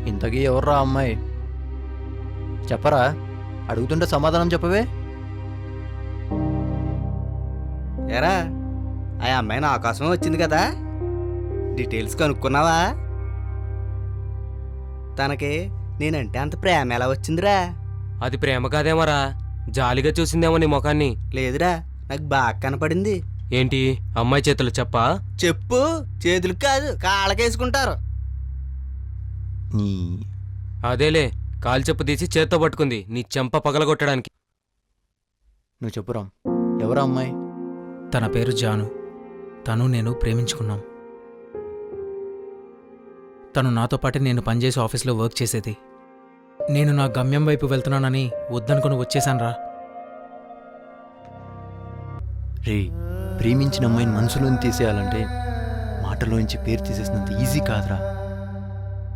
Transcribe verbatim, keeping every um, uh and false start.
ఇంతకీ ఎవర్రా ఆ అమ్మాయి? చెప్పరా, అడుగుతుంటే సమాధానం చెప్పవే. ఎరా, ఆ అమ్మాయి నా కోసమే వచ్చింది కదా, డీటెయిల్స్ కనుక్కున్నావా? తనకి నేనంటే అంత ప్రేమ ఎలా వచ్చిందిరా? అది ప్రేమ కాదేమోరా, జాలిగా చూసిందేమో నీ ముఖాన్ని. లేదురా, నాకు బాగా కనపడింది. ఏంటి అమ్మాయి చేతులు చెప్పా? చెప్పు, చేతులకు కాదు కాళ్ళకేసుకుంటారు. నీ అదేలే, కాలు చెప్పు తీసి చేత్తో పట్టుకుంది నీ చెంప పగలగొట్టడానికి. నువ్వు చెప్పురా, ఎవరా అమ్మాయి? తన పేరు జాను. తను నేను ప్రేమించుకున్నాం. తను నాతో పాటే నేను పనిచేసే ఆఫీస్లో వర్క్ చేసేది. నేను నా గమ్యం వైపు వెళ్తున్నానని వద్దనుకుని వచ్చేశాన్రా. రే, ప్రేమించిన అమ్మాయిని మనసులోని తీసేయాలంటే మాటలోంచి పేరు తీసేసినంత ఈజీ కాదురా.